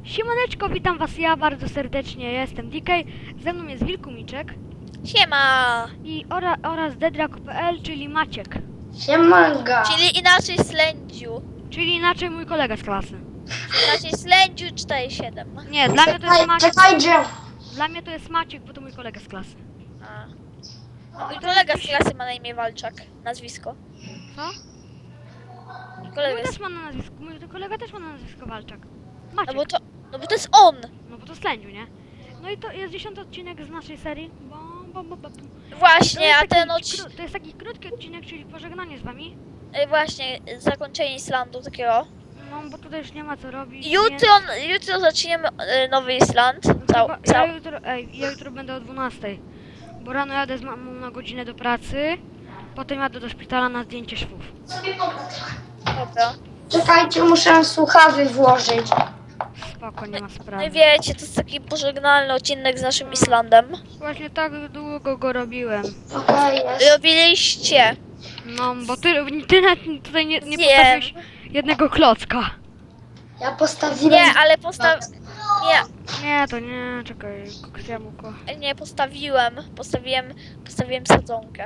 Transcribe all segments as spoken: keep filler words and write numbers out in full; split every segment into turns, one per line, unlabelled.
Siemaneczko, witam was ja bardzo serdecznie, ja jestem D K, ze mną jest Wilkumiczek
Siema!
i ora, oraz Dedrak kropka P L, czyli Maciek,
Siemanga.
Czyli inaczej Slędziu.
czyli inaczej mój kolega z klasy.
Inaczej Slędziu cztery siedem.
Nie, dla mnie to jest
Czekaj,
Maciek,
czekajcie.
dla mnie to jest Maciek, bo to mój kolega z klasy.
A. A mój kolega z klasy ma na imię Walczak. Nazwisko.
Co?
Mój
Mój
kolega
też
jest...
ma na nazwisko, mój kolega też ma na nazwisko Walczak.
No
Maciek,
bo to... No bo to jest on!
no bo to Slędziu, nie? No i to jest dziesiąty odcinek z naszej serii, bo... bo, bo, bo. To
Właśnie,
jest
a
taki
ten odcinek...
kró- To jest taki krótki odcinek, czyli pożegnanie z wami.
Właśnie, zakończenie Islandu takiego.
No bo tutaj już nie ma co robić.
Jutro, jutro zaczniemy e, Nowy Island. Cał,
Ja,
cał.
ja, jutro, ej, ja jutro będę o dwunastej, bo rano jadę z mamą na godzinę do pracy, potem jadę do szpitala na zdjęcie szwów.
Dobra.
Czekajcie, muszę słuchawy włożyć.
Spoko, nie ma
No
sprawy.
i wiecie, to jest taki pożegnalny odcinek z naszym Islandem.
Właśnie tak długo go robiłem.
Okej, jest.
Robiliście.
No, bo ty, ty nawet tutaj nie, nie
Wiem.
postawiłeś jednego klocka.
Ja postawiłem...
Nie, ale postaw... Nie,
Nie, to nie, czekaj, koksjamuko.
nie postawiłem. Postawiłem, postawiłem sadzonkę.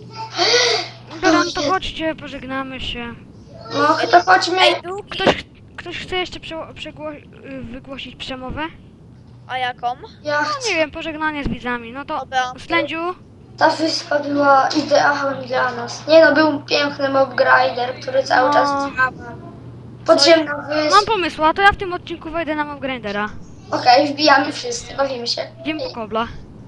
Dobra, no to chodźcie, pożegnamy się.
No, to chodźmy.
Ej, drugi.
Ktoś, ktoś chce jeszcze prze, przegło, y, wygłosić przemowę?
A jaką?
Ja
No
chcę.
nie wiem, pożegnanie z widzami. No to,
Dobra.
Slędziu,
Ta wyspa była idealna dla nas. Nie no, był piękny mob grinder, który cały
No.
czas działa. Podziemna
mam
wyspa.
pomysł, a to ja w tym odcinku wejdę na mob grindera.
Okej, wbijamy wszyscy, bawimy się.
Idziemy po kobla.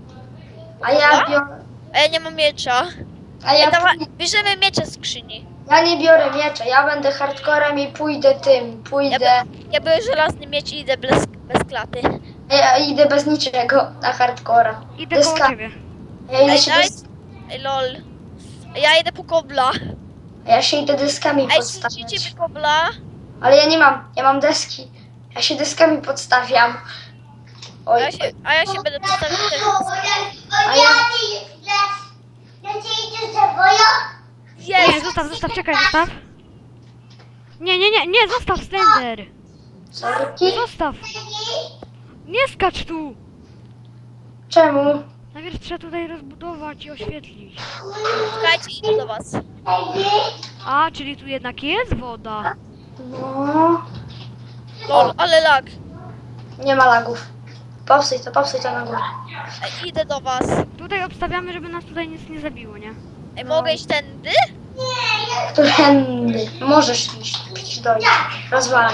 A ja biorę...
A ja nie mam miecza.
A
Ej,
ja,
dawaj, bierzemy miecze z skrzyni.
ja nie biorę miecza, ja będę hardcorem i pójdę tym,
Ja,
pójdę...
by, ja biorę żelazny miecz i idę bez, bez klaty.
Ja idę bez niczego na hardcora.
Idę koło
Deska-
ciebie.
Ja idę
Ej,
się,
daj...
dys...
Ej, lol. Ja idę po kobla.
ja się idę deskami
Ej,
podstawiać.
słyszycie mi kobla?
Ale ja nie mam, ja mam deski. Ja się deskami podstawiam.
A
Oj,
ja się, a ja się będę postawił też.
a ja...
Nie,
Jest!
zostaw, zostaw, czekaj, zostaw. Nie, nie, nie, nie, zostaw Slender.
Sorki?
Zostaw. Nie skacz tu.
Czemu?
Najpierw trzeba tutaj rozbudować i oświetlić.
Czekajcie, idę do was.
A, czyli tu jednak jest woda.
No...
Lol, ale lag.
Nie ma lagów. Popsuj to, popsuj to na górę.
Ej, idę do was.
Tutaj obstawiamy, żeby nas tutaj nic nie zabiło, nie?
Ej, mogę iść tędy?
Którędy? Możesz iść, przecież dojść. Rozwalaj.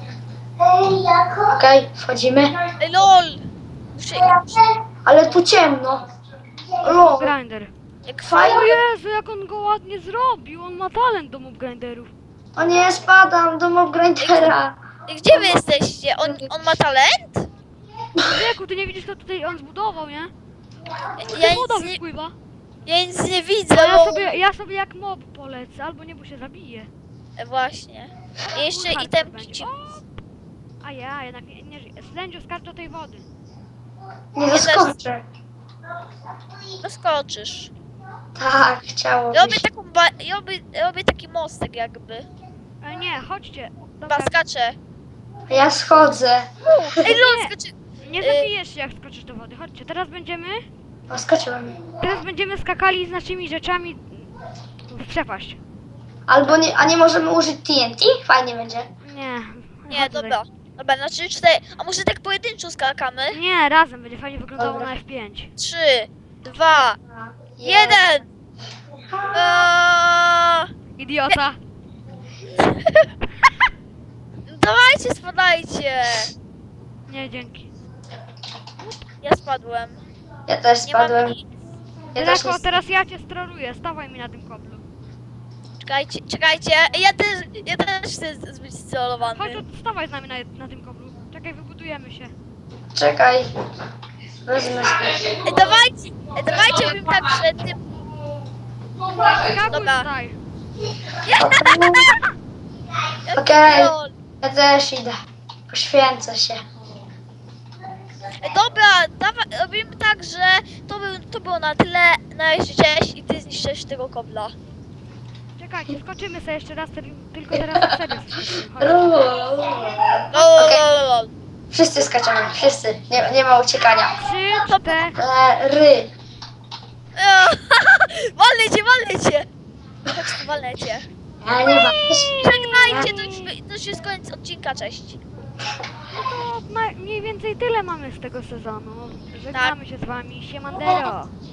Okej, wchodzimy.
Ej, lol. Muszę, muszę,
Ale tu ciemno. Lol.
Grinder.
jak
O
fajnie.
Jezu, jak on go ładnie zrobił. On ma talent do mob grinderów.
O nie, spadam do mob grindera.
Ej, gdzie wy jesteście? On, on ma talent?
Wieku, ty nie widzisz, co tutaj on zbudował, nie?
Ja
Woda
nic nie,
wypływa.
ja nic nie widzę,
A ja
bo...
sobie, ja sobie jak mob polecę, albo nie, bo się zabije.
E, Właśnie. I jeszcze
Kurwa,
itemki
będzie.
ci...
O! A ja jednak nie, nie żyję. Slędziu, skacz do tej wody.
Nie zaskoczę.
Doskoczysz.
Tak, chciało
Robię
być.
taką ba... robię, robię taki mostek jakby.
E, nie, chodźcie. Dobra,
Chyba skaczę.
A ja schodzę.
Ej, lol, skaczę.
nie
y-
zabijesz się, jak skoczysz do wody. Chodźcie, teraz będziemy,
O, skoczyłem.
teraz będziemy skakali z naszymi rzeczami w przepaść.
Albo nie, a nie możemy użyć T N T? Fajnie będzie.
Nie.
Nie,
chodź tutaj.
dobra. Dobra, na trzy, cztery. A może tak pojedynczo skakamy?
Nie, razem będzie fajnie wyglądało
Dobra.
na F pięć.
Trzy, dwa,
Jest.
jeden. Eee,
Idiota.
Dawajcie, spadajcie.
Nie, dzięki.
Ja spadłem.
Ja też
Nie mam
spadłem.
nic.
Ja też
Drako,
nie...
teraz ja cię stroluję. Stawaj mi na tym koblu.
Czekajcie, czekajcie. Ja też, ja też chcę z- być scelowany.
Chodź, od- stawaj z nami na, na tym koblu. Czekaj, wybudujemy się.
Czekaj. Wezmę sobie.
Ej, dawajcie, ej, dawajcie bym tak przed tym.
Skakuj
Dobra.
tutaj.
Okej.
Lol.
Ja też idę. Poświęcę się.
Ej, dobra, dawaj, robimy tak, że to, był, to było na tyle. Na razie cześć i ty zniszczysz tego kobla.
Czekajcie, skoczymy sobie jeszcze raz, tylko teraz na serio skoczymy. Chodź.
Lol.
Lol,
Okej.
lol, lol.
Wszyscy skaczemy, wszyscy. Nie, nie ma uciekania.
Trzy, cztery.
Ry.
Walnę cię, walnę cię! Chodź tu, walnę cię.
Ja nie ma.
Żegnajcie, to już, to już jest koniec odcinka, cześć.
No to ma- mniej więcej tyle mamy z tego sezonu. Żegnamy się z wami. Siemandero.